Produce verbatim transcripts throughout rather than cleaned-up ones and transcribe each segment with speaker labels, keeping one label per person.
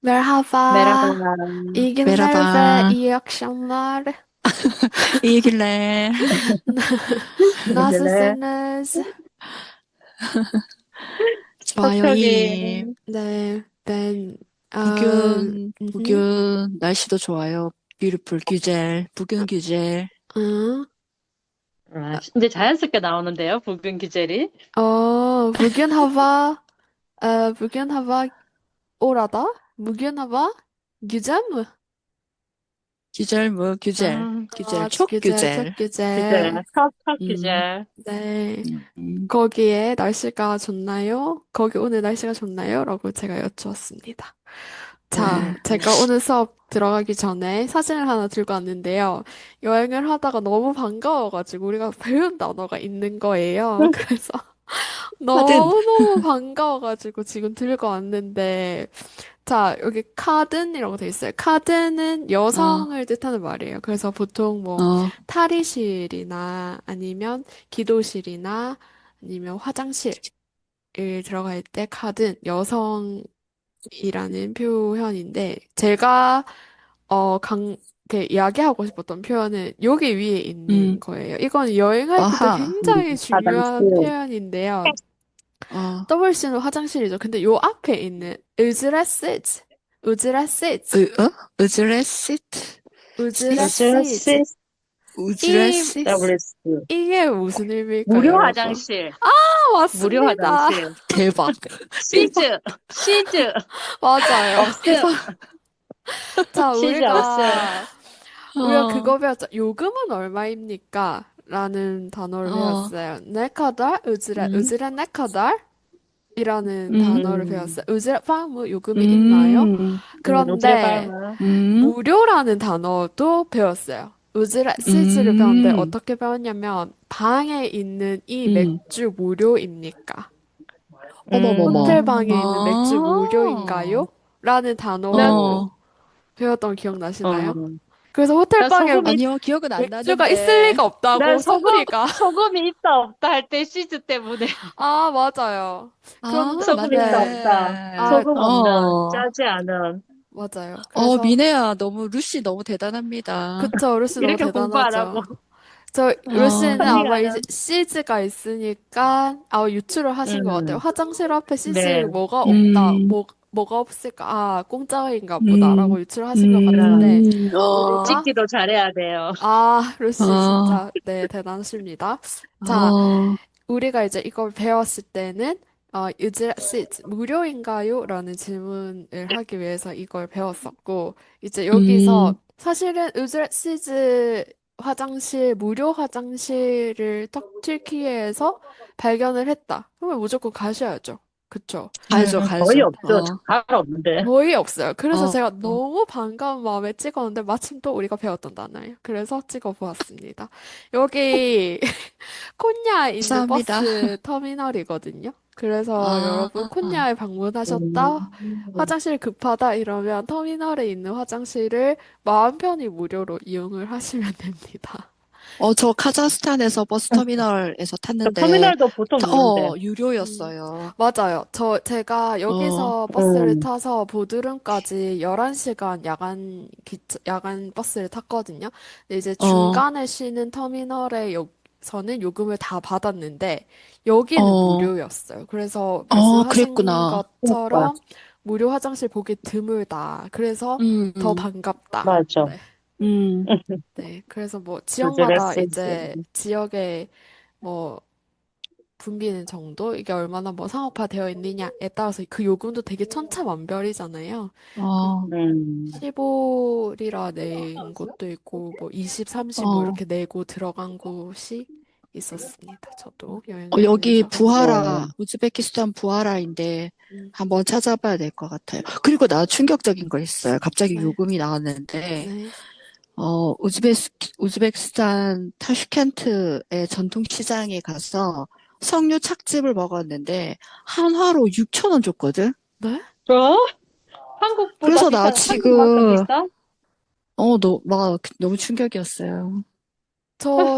Speaker 1: Merhaba,
Speaker 2: Merhaba.
Speaker 1: iyi günler ve
Speaker 3: Merhaba.
Speaker 1: iyi akşamlar.
Speaker 3: İyi günler.
Speaker 2: Güle.
Speaker 1: Nasılsınız?
Speaker 3: 좋아요,
Speaker 2: 톡톡이.
Speaker 3: 이.
Speaker 1: 네, ben, 어,
Speaker 3: bugün,
Speaker 1: mhm,
Speaker 3: bugün 날씨도 좋아요. Beautiful güzel. bugün güzel.
Speaker 1: 응,
Speaker 2: 아, 이제 자연스럽게 나오는데요, 붉은 기젤이.
Speaker 1: 어, bugün hava, e, bugün hava orada, bugün hava güzel mi?
Speaker 3: güzel 뭐, güzel.
Speaker 2: 음,
Speaker 3: güzel.
Speaker 1: 아,
Speaker 3: çok
Speaker 1: güzel, çok
Speaker 3: güzel.
Speaker 1: güzel.
Speaker 2: 기젤. 턱턱
Speaker 3: 음,
Speaker 2: 기젤.
Speaker 1: 네,
Speaker 3: 음,
Speaker 1: 거기에 날씨가 좋나요? 거기 오늘 날씨가 좋나요? 라고 제가 여쭈었습니다. 자,
Speaker 3: 네.
Speaker 1: 제가 오늘 수업 들어가기 전에 사진을 하나 들고 왔는데요. 여행을 하다가 너무 반가워가지고 우리가 배운 단어가 있는 거예요. 그래서
Speaker 3: 하든,
Speaker 1: 너무너무 반가워가지고 지금 들고 왔는데, 자, 여기 카든이라고 돼 있어요. 카든은
Speaker 3: 어,
Speaker 1: 여성을 뜻하는 말이에요. 그래서 보통 뭐
Speaker 3: 어,
Speaker 1: 탈의실이나 아니면 기도실이나 아니면 화장실을 들어갈 때 카든 여성 이라는 표현인데, 제가, 어, 강, 이렇게 이야기하고 싶었던 표현은 여기 위에 있는
Speaker 3: 음,
Speaker 1: 거예요. 이건 여행할 때도
Speaker 3: 아하,
Speaker 2: 음,
Speaker 1: 굉장히
Speaker 2: 화장실.
Speaker 1: 중요한 표현인데요.
Speaker 3: 어,
Speaker 1: 더블유씨는 화장실이죠. 근데 요 앞에 있는 으즈라시즈, 으즈라시즈,
Speaker 3: 으, 어? 으즈레시트?
Speaker 1: 으즈라시즈.
Speaker 2: 유즈레시스
Speaker 1: 이,
Speaker 3: 우즈레시트?
Speaker 2: 더블유에스.
Speaker 1: 이게 무슨 의미일까요,
Speaker 2: 무료
Speaker 1: 여러분?
Speaker 2: 화장실.
Speaker 1: 아,
Speaker 2: 무료
Speaker 1: 맞습니다.
Speaker 2: 화장실.
Speaker 3: 대박. 대박.
Speaker 2: 시즈. 시즈.
Speaker 1: 맞아요.
Speaker 2: 없음.
Speaker 1: 자,
Speaker 2: 시즈 없음.
Speaker 1: 우리가 우리가
Speaker 3: 어,
Speaker 1: 그거 배웠죠. 요금은 얼마입니까? 라는 단어를
Speaker 3: 어,
Speaker 1: 배웠어요. ne kadar ücret,
Speaker 3: 음,
Speaker 1: ücret ne kadar? 이라는
Speaker 3: 음,
Speaker 1: 단어를
Speaker 2: 음,
Speaker 1: 배웠어요. ücret 뭐 요금이 있나요?
Speaker 3: 음,
Speaker 2: 음, 노즈레
Speaker 1: 그런데
Speaker 2: 발마.
Speaker 3: 음,
Speaker 1: 무료라는 단어도 배웠어요. ücret 시즈를 배웠는데
Speaker 3: 음,
Speaker 1: 어떻게 배웠냐면 방에 있는 이
Speaker 3: 음.
Speaker 1: 맥주 무료입니까?
Speaker 3: 어머머머.
Speaker 1: 호텔 방에 있는 맥주
Speaker 3: 아,
Speaker 1: 무료인가요? 라는 단어로
Speaker 3: 어.
Speaker 1: 배웠던 거 기억나시나요?
Speaker 2: 음.
Speaker 1: 그래서 호텔
Speaker 2: 나
Speaker 1: 방에
Speaker 2: 소금이,
Speaker 3: 아니요, 기억은 안
Speaker 1: 맥주가 있을
Speaker 3: 나는데.
Speaker 1: 리가
Speaker 2: 난
Speaker 1: 없다고
Speaker 2: 소금,
Speaker 1: 소리가.
Speaker 2: 소금이 있다 없다 할 때 시즈 때문에.
Speaker 1: 아, 맞아요.
Speaker 3: 아,
Speaker 1: 그런데,
Speaker 2: 소금 있다
Speaker 1: 네.
Speaker 2: 없다.
Speaker 1: 아,
Speaker 3: 맞네.
Speaker 2: 소금 없는,
Speaker 3: 어.
Speaker 2: 짜지 않은.
Speaker 1: 맞아요.
Speaker 3: 어,
Speaker 1: 그래서,
Speaker 3: 미네야, 너무, 루시 너무 대단합니다.
Speaker 1: 그쵸. 루시 너무
Speaker 2: 이렇게 공부 안 하고.
Speaker 1: 대단하죠. 저,
Speaker 3: 어,
Speaker 1: 루시는 아마 이제
Speaker 2: 언니가는.
Speaker 1: 시즈가 있으니까, 아, 유추를 하신 것 같아요.
Speaker 2: 음,
Speaker 1: 화장실 앞에
Speaker 2: 네.
Speaker 1: 시즈 뭐가 없다.
Speaker 3: 음,
Speaker 1: 뭐, 뭐가 없을까? 아, 공짜인가
Speaker 3: 음,
Speaker 1: 보다라고 유추를 하신 것
Speaker 2: 그럼,
Speaker 1: 같은데,
Speaker 3: 음, 어,
Speaker 1: 우리가,
Speaker 2: 찍기도 잘해야 돼요.
Speaker 1: 아, 루시
Speaker 3: 어,
Speaker 1: 진짜, 네, 대단하십니다. 자,
Speaker 3: 어,
Speaker 1: 우리가 이제 이걸 배웠을 때는 어, is it 무료인가요? 라는 질문을 하기 위해서 이걸 배웠었고 이제
Speaker 3: 음,
Speaker 1: 여기서 사실은 is it 화장실 무료 화장실을 딱 튀르키예에서 발견을 했다. 그러면 무조건 가셔야죠. 그쵸?
Speaker 3: 가야죠,
Speaker 2: 음, 거의
Speaker 3: 가야죠.
Speaker 2: 없죠.
Speaker 3: 어,
Speaker 2: 잘 없는데.
Speaker 1: 거의 없어요. 그래서
Speaker 3: 어,
Speaker 1: 제가
Speaker 3: 어,
Speaker 1: 너무 반가운 마음에 찍었는데 마침 또 우리가 배웠던 단어예요. 그래서 찍어보았습니다. 여기 콘야에 있는
Speaker 3: 감사합니다.
Speaker 1: 버스 터미널이거든요. 그래서
Speaker 3: 아,
Speaker 1: 여러분 콘야에 방문하셨다,
Speaker 2: 음,
Speaker 1: 화장실 급하다 이러면 터미널에 있는 화장실을 마음 편히 무료로 이용을 하시면 됩니다.
Speaker 3: 어, 저 카자흐스탄에서 버스터미널에서
Speaker 2: 저
Speaker 3: 탔는데,
Speaker 2: 터미널도 보통
Speaker 3: 타-
Speaker 2: 무료인데.
Speaker 3: 어,
Speaker 1: 음,
Speaker 3: 유료였어요.
Speaker 1: 맞아요. 저, 제가
Speaker 3: 어,
Speaker 1: 여기서 버스를
Speaker 2: 음,
Speaker 1: 타서 보드름까지 열한 시간 야간, 기차, 야간 버스를 탔거든요. 근데 이제
Speaker 3: 어,
Speaker 1: 중간에 쉬는 터미널에 요, 서는 요금을 다 받았는데, 여기는
Speaker 3: 어,
Speaker 1: 무료였어요. 그래서
Speaker 3: 어,
Speaker 1: 말씀하신
Speaker 3: 그랬구나.
Speaker 2: 그러니까.
Speaker 1: 것처럼 무료 화장실 보기 드물다. 그래서
Speaker 3: 음,
Speaker 1: 더
Speaker 3: 음,
Speaker 1: 반갑다.
Speaker 2: 맞아.
Speaker 1: 네.
Speaker 3: 음,
Speaker 1: 네. 그래서 뭐 지역마다
Speaker 2: 드레스지.
Speaker 1: 이제 지역의 뭐 붐비는 정도? 이게 얼마나 뭐 상업화되어 있느냐에 따라서 그 요금도 되게 천차만별이잖아요. 그
Speaker 3: 어,
Speaker 2: 음,
Speaker 1: 십오 리라 낸 곳도 있고, 뭐 이십, 삼십 뭐
Speaker 3: 어.
Speaker 1: 이렇게 내고 들어간 곳이 있었습니다. 저도
Speaker 3: 어,
Speaker 1: 여행을
Speaker 3: 여기
Speaker 1: 하면서.
Speaker 3: 부하라,
Speaker 2: 어,
Speaker 3: 우즈베키스탄 부하라인데
Speaker 1: 음,
Speaker 3: 한번 찾아봐야 될 것 같아요. 그리고 나 충격적인 거 있어요. 갑자기
Speaker 1: 네,
Speaker 3: 요금이 나왔는데,
Speaker 1: 네.
Speaker 3: 어, 우즈베스, 우즈베키스탄 타슈켄트의 전통시장에 가서 석류 착즙을 먹었는데, 한화로 육천 원 줬거든?
Speaker 1: 네?
Speaker 2: 저 한국보다
Speaker 3: 그래서 나
Speaker 2: 비싼, 한국만큼
Speaker 3: 지금,
Speaker 2: 비싸?
Speaker 3: 어, 너, 막, 너무 충격이었어요.
Speaker 1: 저,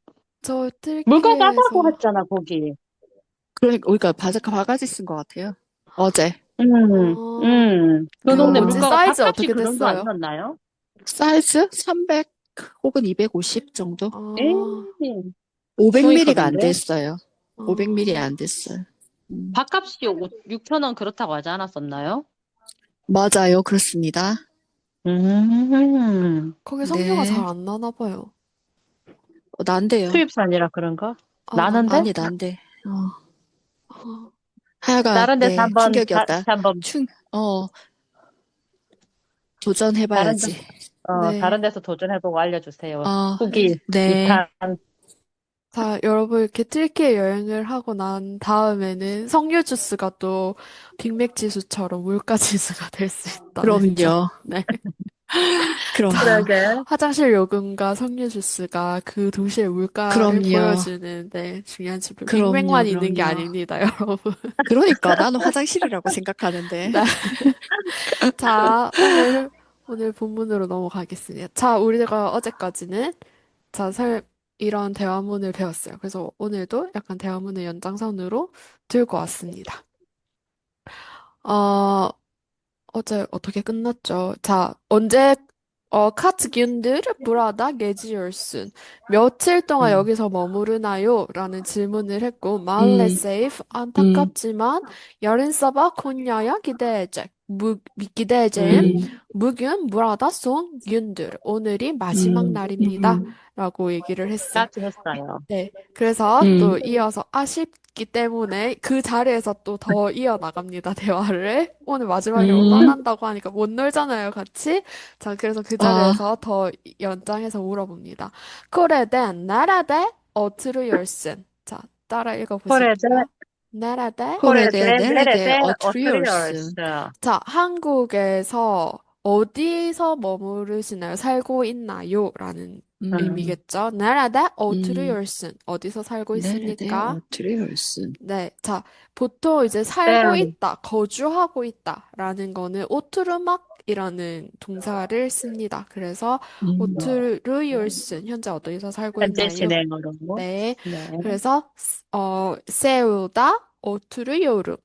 Speaker 1: 저
Speaker 2: 물가 싸다고
Speaker 1: 튀르키예에서
Speaker 2: 했잖아, 거기.
Speaker 3: 그러니까, 우리가 바자카 바가지 쓴 것 같아요. 어제.
Speaker 2: 음,
Speaker 1: 어,
Speaker 2: 음. 그
Speaker 1: 그
Speaker 2: 동네
Speaker 1: 뭐지?
Speaker 3: 어,
Speaker 2: 물가가
Speaker 1: 사이즈
Speaker 2: 밥값이
Speaker 1: 어떻게
Speaker 2: 그 정도
Speaker 1: 됐어요?
Speaker 2: 아니었나요?
Speaker 3: 사이즈 삼백 혹은 이백오십 정도?
Speaker 1: 어,
Speaker 2: 에이,
Speaker 3: 오백
Speaker 2: 충이
Speaker 3: 밀리미터가 안
Speaker 2: 크던데?
Speaker 3: 됐어요. 오백 밀리미터
Speaker 1: 어,
Speaker 3: 안 됐어요. 음.
Speaker 2: 밥값이 육천 원 그렇다고 하지 않았었나요?
Speaker 3: 맞아요. 그렇습니다.
Speaker 2: 음,
Speaker 1: 거기 석류가 잘
Speaker 3: 네.
Speaker 1: 안 나나 봐요.
Speaker 3: 어, 난데요.
Speaker 2: 수입산이라 그런가?
Speaker 1: 아,
Speaker 2: 나는데?
Speaker 1: 난데요?
Speaker 3: 아니, 난데. 어.
Speaker 1: 어,
Speaker 3: 하여간,
Speaker 2: 다른 데서
Speaker 3: 네,
Speaker 2: 한번, 다,
Speaker 3: 충격이었다.
Speaker 2: 한번,
Speaker 3: 충, 어,
Speaker 2: 다른 데,
Speaker 3: 도전해봐야지.
Speaker 2: 어,
Speaker 1: 네.
Speaker 2: 다른 데서 도전해보고 알려주세요.
Speaker 3: 어,
Speaker 1: 네.
Speaker 2: 후기,
Speaker 3: 네.
Speaker 2: 이 탄.
Speaker 1: 자, 여러분, 이렇게 튀르키예 여행을 하고 난 다음에는 석류 주스가 또 빅맥 지수처럼 물가 지수가 될 수 있다는 점.
Speaker 3: 그럼요.
Speaker 1: 네.
Speaker 3: 그럼,
Speaker 1: 자,
Speaker 2: 그러게.
Speaker 1: 화장실 요금과 석류 주스가 그 도시의 물가를
Speaker 3: 그럼요.
Speaker 1: 보여주는 네, 중요한 지표.
Speaker 3: 그럼요.
Speaker 1: 빅맥만 있는 게
Speaker 3: 그럼요.
Speaker 1: 아닙니다, 여러분.
Speaker 3: 그러니까 나는 화장실이라고 생각하는데.
Speaker 1: 네. 자, 오늘, 오늘 본문으로 넘어가겠습니다. 자, 우리가 어제까지는 자, 설, 이런 대화문을 배웠어요. 그래서 오늘도 약간 대화문을 연장선으로 들고 왔습니다. 어, 어제 어떻게 끝났죠? 자, 언제, 어, 카츠균들 브라다 게지얼슨. 며칠 동안
Speaker 3: 음,
Speaker 1: 여기서 머무르나요? 라는 질문을 했고, 말레
Speaker 3: 음,
Speaker 1: 세이프,
Speaker 3: 음,
Speaker 1: 안타깝지만, 야린사바 콘야야 기대제, 무, 기대제임,
Speaker 3: 음,
Speaker 1: 무균 브라다 송 균들. 오늘이 마지막
Speaker 3: 음,
Speaker 1: 날입니다.
Speaker 3: 음,
Speaker 1: 라고 얘기를 했어요.
Speaker 2: 같이 했어요.
Speaker 1: 네. 그래서
Speaker 3: 음.
Speaker 1: 또 이어서 아쉽기 때문에 그 자리에서 또 더 이어나갑니다, 대화를. 오늘 마지막이라고
Speaker 3: 음.
Speaker 1: 떠난다고 하니까 못 놀잖아요, 같이. 자, 그래서 그
Speaker 3: 아,
Speaker 1: 자리에서 더 연장해서 물어봅니다. 코레덴 나라데 어트루열슨. 자, 따라
Speaker 2: 코레데,
Speaker 1: 읽어보실게요. 나라데.
Speaker 3: 코레데,
Speaker 2: 코레데,
Speaker 3: 네레데,
Speaker 2: 네레데,
Speaker 3: 어트리얼스.
Speaker 2: 어트리얼스.
Speaker 1: 자, 한국에서 어디서 머무르시나요? 살고 있나요? 라는
Speaker 3: 음,
Speaker 2: 음,
Speaker 1: 의미겠죠. 나라다
Speaker 3: 음,
Speaker 1: 오트루얼슨. 어디서 살고
Speaker 3: 네레데,
Speaker 1: 있습니까?
Speaker 3: 어트리얼스.
Speaker 1: 네. 자, 보통 이제 살고
Speaker 2: 네.
Speaker 1: 있다, 거주하고 있다 라는 거는 오투르막이라는 동사를 씁니다. 그래서
Speaker 3: 음,
Speaker 1: 오투르율슨, 현재 어디서 살고
Speaker 2: 현재
Speaker 1: 있나요?
Speaker 2: 진행으로.
Speaker 1: 네.
Speaker 2: 네.
Speaker 1: 그래서 어, 세우다 오투르요르.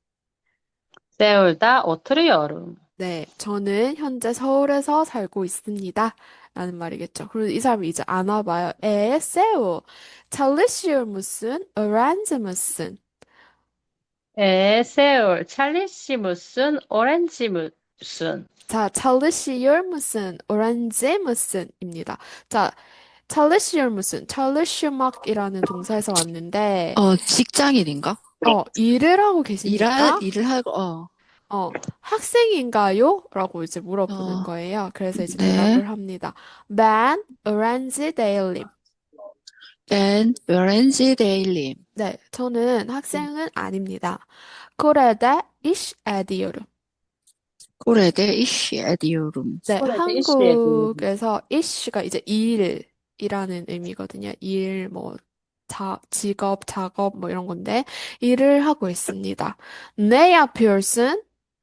Speaker 2: 세울다, 오트리얼음.
Speaker 1: 네, 저는 현재 서울에서 살고 있습니다. 라는 말이겠죠. 그리고 이 사람이 이제 안 와봐요. 에, 세우. 찰리시울 무슨, 어란즈 무슨.
Speaker 2: 에, 세울, 찰리시 무슨, 오렌지 무슨.
Speaker 1: 자, 찰리시울 무슨, 오란즈 무슨입니다. 자, 찰리시울 무슨, 찰리슈막이라는 동사에서 왔는데,
Speaker 3: 어, 직장인인가?
Speaker 1: 어, 일을 하고
Speaker 3: 일할,
Speaker 1: 계십니까?
Speaker 3: 일을 하고, 어,
Speaker 1: 어, 학생인가요? 라고 이제 물어보는
Speaker 3: 어,
Speaker 1: 거예요. 그래서 이제
Speaker 3: 네.
Speaker 1: 대답을 합니다. Ben, 오란즈 데일리.
Speaker 3: 댄, 웨렌지 데일리.
Speaker 1: 네, 저는 학생은 아닙니다. 그래도 이시 에디오르.
Speaker 3: 코레데, 이시, 에디오룸.
Speaker 1: 네,
Speaker 2: 코레데 이슈에
Speaker 1: 한국에서 이시가 이제 일이라는 의미거든요. 일, 뭐, 자, 직업, 작업, 뭐 이런 건데, 일을 하고 있습니다. 네 앞이올슨,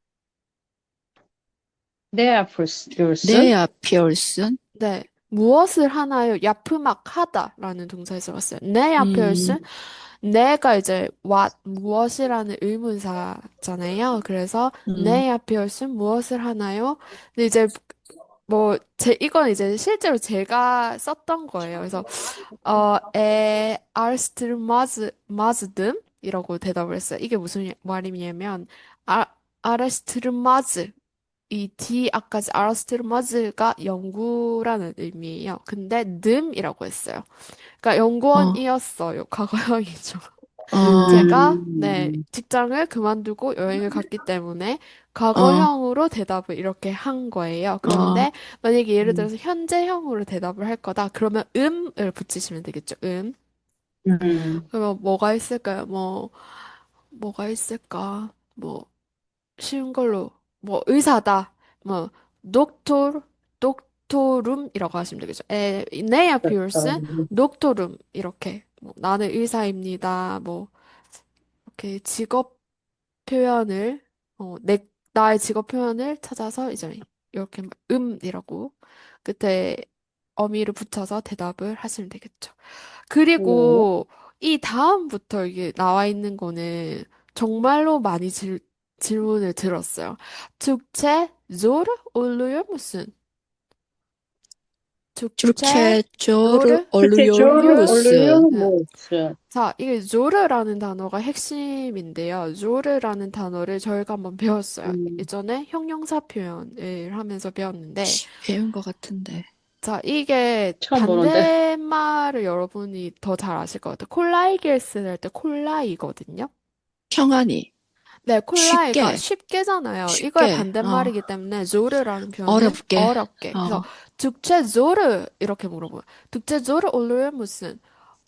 Speaker 2: 네아플스,
Speaker 3: 네아, 피얼슨.
Speaker 1: 네, 무엇을 하나요? 야프막 하다라는 동사에서 왔어요. 네
Speaker 3: 음,
Speaker 1: 앞이올슨, 내가 이제 what 무엇이라는 의문사잖아요. 그래서
Speaker 3: 음,
Speaker 1: 내 앞에 올슨 무엇을 하나요? 근데 이제 뭐 제 이건 이제 실제로 제가 썼던 거예요. 그래서 어, 에 아르스트르마즈 마즈듬 이라고 대답을 했어요. 이게 무슨 말이냐면 아 아르스트르마즈 이 D 아까지 아르스트르마즈가 연구라는 의미예요. 근데 듬이라고 했어요. 그러니까
Speaker 3: 어,
Speaker 1: 연구원이었어요. 과거형이죠.
Speaker 3: 어,
Speaker 1: 제가 네,
Speaker 2: 음,
Speaker 1: 직장을 그만두고 여행을 갔기 때문에
Speaker 3: 어,
Speaker 1: 과거형으로 대답을 이렇게 한 거예요.
Speaker 3: 어,
Speaker 1: 그런데 만약에 예를
Speaker 2: 음,
Speaker 1: 들어서 현재형으로 대답을 할 거다. 그러면 음을 붙이시면 되겠죠. 음.
Speaker 2: 음.
Speaker 1: 그러면 뭐가 있을까요? 뭐 뭐가 있을까? 뭐 쉬운 걸로 뭐 의사다. 뭐 독tor 독토룸이라고 하시면 되겠죠. 에, 네아 피어스 독토룸 이렇게 뭐, 나는 의사입니다. 뭐 이렇게 직업 표현을 어, 내 나의 직업 표현을 찾아서 이제 이렇게 음이라고 끝에 어미를 붙여서 대답을 하시면 되겠죠.
Speaker 2: 네.
Speaker 1: 그리고 이 다음부터 이게 나와 있는 거는 정말로 많이 질, 질문을 들었어요. 축제 zor oluyor musun? 축제
Speaker 3: türkçe zor
Speaker 1: zor
Speaker 3: oluyor
Speaker 2: 스케줄
Speaker 1: oluyor
Speaker 2: 올려
Speaker 3: musun?
Speaker 1: musun?
Speaker 2: 모스.
Speaker 1: 자, 이게 조르라는 단어가 핵심인데요. 조르라는 단어를 저희가 한번 배웠어요.
Speaker 2: 음,
Speaker 1: 예전에 형용사 표현을 하면서 배웠는데,
Speaker 3: 배운 것 같은데.
Speaker 1: 자, 이게
Speaker 2: 처음 보는데.
Speaker 1: 반대말을 여러분이 더 잘 아실 것 같아요. 콜라이길 쓸 때 콜라이거든요.
Speaker 3: 평안히,
Speaker 1: 네, 콜라이가
Speaker 3: 쉽게,
Speaker 1: 쉽게잖아요. 이거의
Speaker 3: 쉽게, 어,
Speaker 1: 반대말이기 때문에 조르라는 표현은
Speaker 3: 어렵게,
Speaker 1: 어렵게. 그래서
Speaker 3: 어,
Speaker 1: 죽제 조르 이렇게 물어보면 죽제 조르 올르 무슨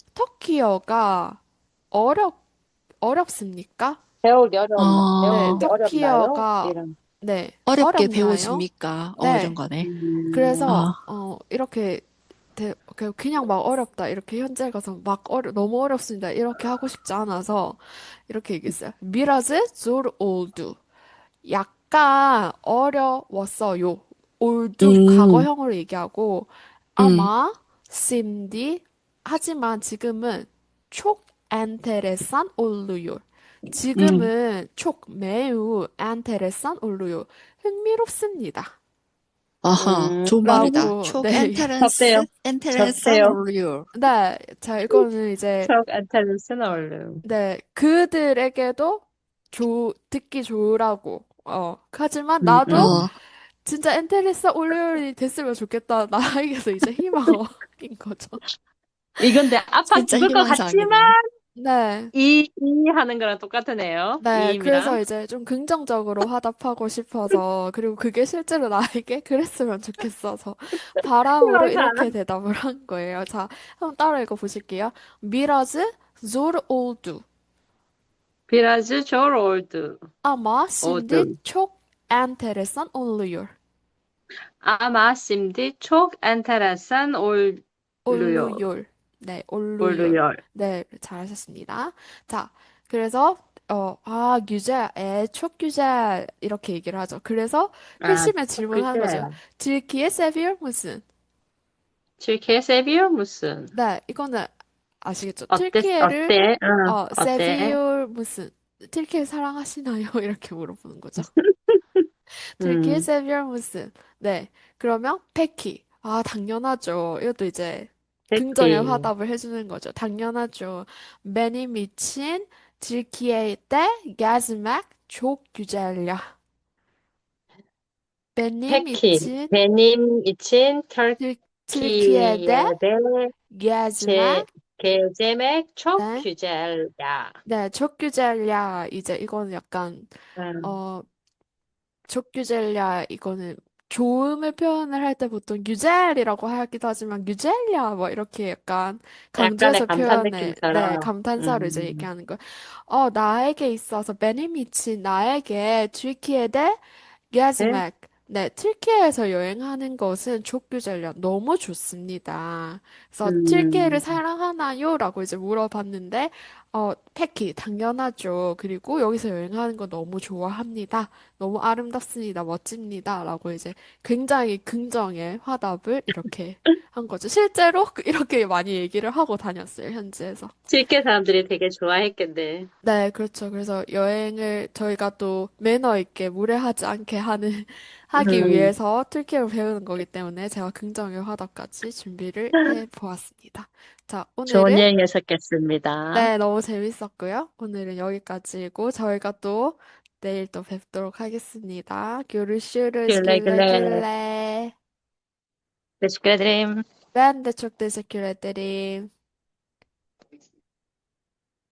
Speaker 1: 터키어가 어렵 어렵습니까?
Speaker 2: 배우기 어려웠나?
Speaker 1: 네,
Speaker 3: 어,
Speaker 2: 배우기 어렵나요?
Speaker 1: 터키어가
Speaker 2: 이런.
Speaker 1: 네,
Speaker 3: 어렵게
Speaker 1: 어렵나요?
Speaker 3: 배워집니까? 어, 이런
Speaker 1: 네.
Speaker 3: 거네.
Speaker 2: 음,
Speaker 1: 그래서
Speaker 3: 어,
Speaker 1: 어 이렇게 대- 그- 그냥 막 어렵다 이렇게 현재 가서 막 어려 너무 어렵습니다 이렇게 하고 싶지 않아서 이렇게 얘기했어요. 미라즈 졸 올두 약간 어려웠어요. 올두
Speaker 3: 음,
Speaker 1: 과거형으로 얘기하고
Speaker 3: 음,
Speaker 1: 아마 심디 하지만 지금은 촉 엔테레산 올루요.
Speaker 3: 음.
Speaker 1: 지금은 촉 매우 엔테레산 올루요. 흥미롭습니다.
Speaker 3: 아하,
Speaker 2: 음,
Speaker 3: 좋은 말이다.
Speaker 1: 라고
Speaker 3: 촉
Speaker 1: 네.
Speaker 2: 접대요.
Speaker 3: 엔테렌스, 엔테렌산
Speaker 2: 접대요.
Speaker 3: 올류.
Speaker 1: 네. 자, 이거는 이제
Speaker 2: 척 엔텔리스는 얼른.
Speaker 1: 네, 그들에게도 조, 듣기 좋으라고. 어, 하지만
Speaker 2: 음,
Speaker 1: 나도
Speaker 2: 음.
Speaker 3: 어,
Speaker 1: 진짜 엔테리사 올리올이 됐으면 좋겠다. 나에게서 이제 희망인 거죠.
Speaker 2: 이건데 아파
Speaker 3: 진짜
Speaker 2: 죽을 것 같지만
Speaker 3: 희망사항이네요.
Speaker 1: 네.
Speaker 2: 이, 이 하는 거랑 똑같으네요.
Speaker 1: 네,
Speaker 2: 이임이랑.
Speaker 1: 그래서 이제 좀 긍정적으로 화답하고 싶어서, 그리고 그게 실제로 나에게 그랬으면 좋겠어서, 바람으로
Speaker 2: 희망사.
Speaker 1: 이렇게 대답을 한 거예요. 자, 한번 따라 읽어 보실게요. 미라즈 zor oldu.
Speaker 2: Biraz zor oldu.
Speaker 1: Ama şimdi
Speaker 2: Oldu.
Speaker 1: çok enteresan oluyor.
Speaker 2: Ama şimdi çok enteresan oluyor.
Speaker 1: 올루열. 네, 올루열.
Speaker 2: oluyor.
Speaker 1: 네, 잘하셨습니다. 자, 그래서 어, 아, güzel, 에, çok güzel 이렇게 얘기를 하죠. 그래서
Speaker 2: 아,
Speaker 1: 회심의
Speaker 2: çok
Speaker 1: 질문하는 거죠.
Speaker 2: güzel.
Speaker 1: Türkiye seviyor musun?
Speaker 2: Türkiye seviyor musun?
Speaker 1: 네, 이거는 아시겠죠?
Speaker 2: 어때?
Speaker 1: türkiye를
Speaker 2: 어때? 응,
Speaker 1: 어,
Speaker 2: 어때?
Speaker 1: seviyor musun? türkiye 사랑하시나요? 이렇게 물어보는 거죠. türkiye
Speaker 2: 음,
Speaker 1: seviyor musun? 네, 그러면 peki. 아, 당연하죠. 이것도 이제 긍정의
Speaker 2: peki.
Speaker 1: 화답을 해주는 거죠. 당연하죠. Benim için Türkiye'de gezmek çok güzel. Benim
Speaker 2: peki.
Speaker 1: için
Speaker 2: benim için
Speaker 1: Tür- Türkiye'de
Speaker 2: Türkiye'de 제,
Speaker 1: gezmek
Speaker 2: gezmek çok
Speaker 1: 네,
Speaker 2: güzel ya.
Speaker 1: 네, çok güzel야. 이제 이거는 약간
Speaker 2: 음,
Speaker 1: 어 족규젤랴 이거는 좋음을 표현을 할 때 보통 유젤이라고 하기도 하지만 유젤랴 뭐 이렇게 약간
Speaker 2: 약간의
Speaker 1: 강조해서
Speaker 2: 감탄
Speaker 1: 표현해 네
Speaker 2: 느낌처럼.
Speaker 1: 감탄사로 이제
Speaker 2: 음,
Speaker 1: 얘기하는 거예요. 어 나에게 있어서 베니미치 나에게 튀르키예데
Speaker 2: 네?
Speaker 1: 게즈맥 네 튀르키예에서 여행하는 것은 족규젤랴 너무 좋습니다. 그래서 튀르키예를
Speaker 2: 음,
Speaker 1: 사랑하나요?라고 이제 물어봤는데 어 패키 당연하죠. 그리고 여기서 여행하는 거 너무 좋아합니다. 너무 아름답습니다. 멋집니다. 라고 이제 굉장히 긍정의 화답을 이렇게 한 거죠. 실제로 그- 이렇게 많이 얘기를 하고 다녔어요, 현지에서.
Speaker 2: 칠개 사람들이 되게 좋아했겠네.
Speaker 1: 네, 그렇죠. 그래서 여행을 저희가 또 매너 있게 무례하지 않게 하는, 하기
Speaker 2: 음,
Speaker 1: 위해서 툴키를 배우는 거기 때문에 제가 긍정의 화답까지 준비를 해 보았습니다. 자,
Speaker 2: 좋은
Speaker 1: 오늘은
Speaker 2: 여행이었겠습니다.
Speaker 1: 네, 너무 재밌었고요. 오늘은 여기까지고 저희가 또 내일 또 뵙도록 하겠습니다. Görüşürüz.
Speaker 2: güle
Speaker 1: Güle
Speaker 2: güle.
Speaker 1: güle.
Speaker 2: Teşekkür ederim.
Speaker 1: Ben de çok teşekkür ederim.